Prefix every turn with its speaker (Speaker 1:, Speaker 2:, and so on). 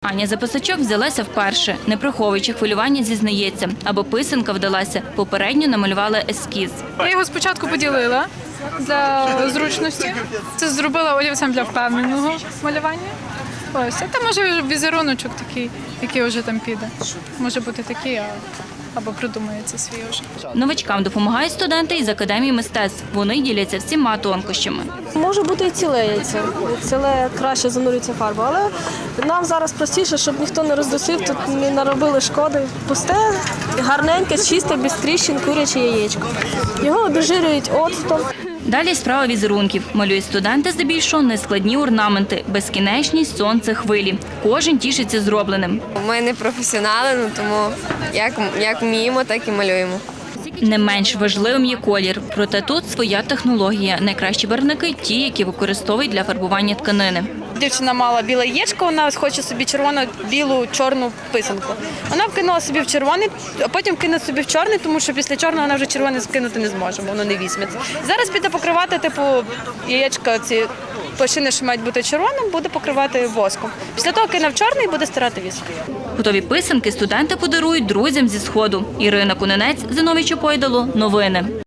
Speaker 1: Аня за писачок взялася вперше. Не приховуючи хвилювання, зізнається. Аби писанка вдалася, попередньо намалювала ескіз.
Speaker 2: Я його спочатку поділила для зручності. Це зробила олівцем для впевненого малювання. Ось, а там може візеруночок такий, який вже там піде. Може бути такий, або придумається свій вже.
Speaker 1: Новачкам допомагають студенти із Академії мистецтв. Вони діляться всіма тонкощами.
Speaker 3: Може бути і ціле яйце. Ціле краще занурюється фарба, але нам зараз простіше, щоб ніхто не роздусив, тут не наробили шкоди. Пусте, гарненьке, чисте, без тріщин, куряче яєчко. Його обезжирюють оцтом.
Speaker 1: Далі справа візерунків. Малюють студенти здебільшого нескладні орнаменти, безкінечність, сонце, хвилі. Кожен тішиться зробленим.
Speaker 4: Ми не професіонали, тому як вміємо, так і малюємо.
Speaker 1: Не менш важливим є колір. Проте тут своя технологія. Найкращі барвники – ті, які використовують для фарбування тканини.
Speaker 2: Дівчина мала біле яєчко, вона хоче собі червоно-білу, чорну писанку. Вона вкинула собі в червоний, а потім кине собі в чорний, тому що після чорного вона вже червоний скинути не зможе, воно не візьметься. Зараз піде покривати, яєчка, ці площини, що мають бути червоним, буде покривати воском. Після того кине в чорний і буде стирати віск.
Speaker 1: Готові писанки студенти подарують друзям зі Сходу. Ірина Куненець, Зіновій Чопойдало. Новини.